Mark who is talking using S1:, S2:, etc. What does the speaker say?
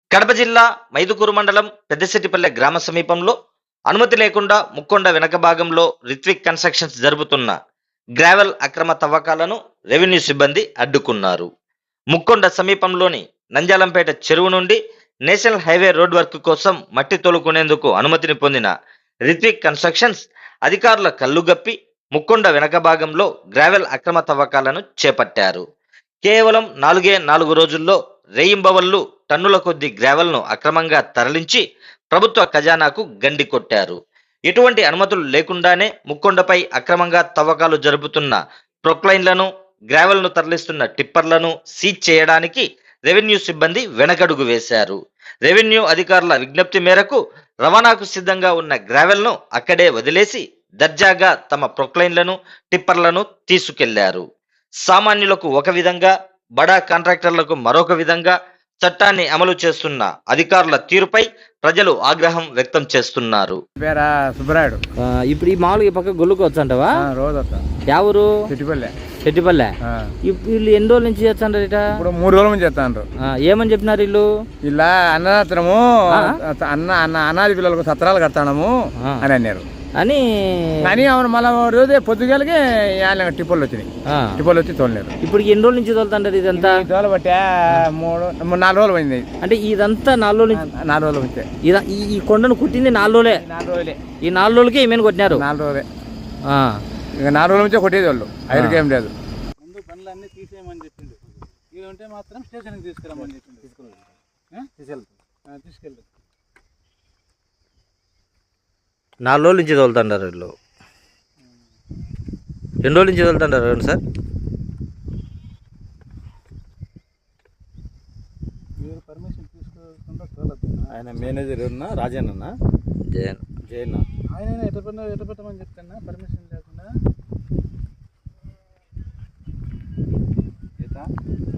S1: కడప జిల్లా మైదుకూరు మండలం పెద్దశెట్టిపల్లె గ్రామ సమీపంలో అనుమతి లేకుండా ముక్కొండ వెనక భాగంలో రిత్విక్ కన్స్ట్రక్షన్స్ జరుపుతున్న గ్రావెల్ అక్రమ తవ్వకాలను రెవెన్యూ సిబ్బంది అడ్డుకున్నారు. ముక్కొండ సమీపంలోని నంజాలంపేట చెరువు నుండి నేషనల్ హైవే రోడ్ వర్క్ కోసం మట్టి తోలుకునేందుకు అనుమతిని పొందిన రిత్విక్ కన్స్ట్రక్షన్స్ అధికారుల కళ్ళుగప్పి ముక్కొండ వెనక భాగంలో గ్రావెల్ అక్రమ తవ్వకాలను చేపట్టారు. కేవలం 4 రోజుల్లో రేయింబవళ్లు టన్నుల కొద్ది గ్రావెల్ను అక్రమంగా తరలించి ప్రభుత్వ ఖజానాకు గండి కొట్టారు. ఎటువంటి అనుమతులు లేకుండానే ముక్కొండపై అక్రమంగా తవ్వకాలు జరుపుతున్న ప్రొక్లైన్లను, గ్రావెల్ను తరలిస్తున్న టిప్పర్లను సీజ్ చేయడానికి రెవెన్యూ సిబ్బంది వెనకడుగు వేశారు. రెవెన్యూ అధికారుల విజ్ఞప్తి మేరకు రవాణాకు సిద్ధంగా ఉన్న గ్రావెల్ను అక్కడే వదిలేసి దర్జాగా తమ ప్రొక్లైన్లను, టిప్పర్లను తీసుకెళ్లారు. సామాన్యులకు ఒక విధంగా, బడా కాంట్రాక్టర్లకు మరొక విధంగా చట్టాన్ని అమలు చేస్తున్న అధికారుల తీరుపై ప్రజలు ఆగ్రహం వ్యక్తం చేస్తున్నారు.
S2: పేరా సుబ్బరాయుడు.
S3: ఇప్పుడు ఈ మామూలుగా ఈ పక్క గొల్లుకోవచ్చు అంటవా?
S2: రోజు వస్తా.
S3: ఎవరు?
S2: చెట్టిపల్లె.
S3: చెట్టిపల్లె. వీళ్ళు ఎన్ని రోజుల నుంచి చేస్తాంటారు ఇట?
S2: ఇప్పుడు 3 రోజుల నుంచి చేస్తాండ్రు.
S3: ఏమని చెప్పినారు వీళ్ళు?
S2: ఇలా అన్నదాత్రము అనాది పిల్లలకు సత్రాలు కడతాము అని అన్నారు. అని అవును. మళ్ళీ రోజే పొద్దుగాలకి టిప్పులు వచ్చినాయి. టిప్పులు వచ్చి తోలలేరు.
S3: ఇప్పుడు ఎన్ని రోజుల నుంచి తోలుతాంటారు ఇదంతా?
S2: తోలబట్టే 4 రోజులు పోయింది.
S3: అంటే ఇదంతా 4 రోజుల నుంచి?
S2: 4 రోజులు వచ్చాయి.
S3: ఈ కొండను కుట్టింది 4 రోజులే.
S2: 4 రోజులే.
S3: ఈ 4 రోజులకి ఏమైనా కొట్టినారు?
S2: 4 రోజులే. ఇక 4 రోజుల నుంచే కొట్టేది వాళ్ళు. ఐదుకి ఏం లేదు.
S4: ముందు పనులన్నీ తీసేయమని చెప్పిండు. ఇవి ఉంటే మాత్రం స్టేషన్కి తీసుకురమ్మని చెప్పిండు. తీసుకెళ్తాం.
S3: 4 రోజుల నుంచి తోలుతుంటారు వీళ్ళు. 2 రోజుల నుంచి తోలుతుంటారు సార్.
S4: మీరు పర్మిషన్ తీసుకోకుండా తోలద్దు.
S2: ఆయన మేనేజర్ రాజేనన్న జయన్
S4: ఆయన ఎట పెట్టమని చెప్తాను పర్మిషన్ లేకుండా.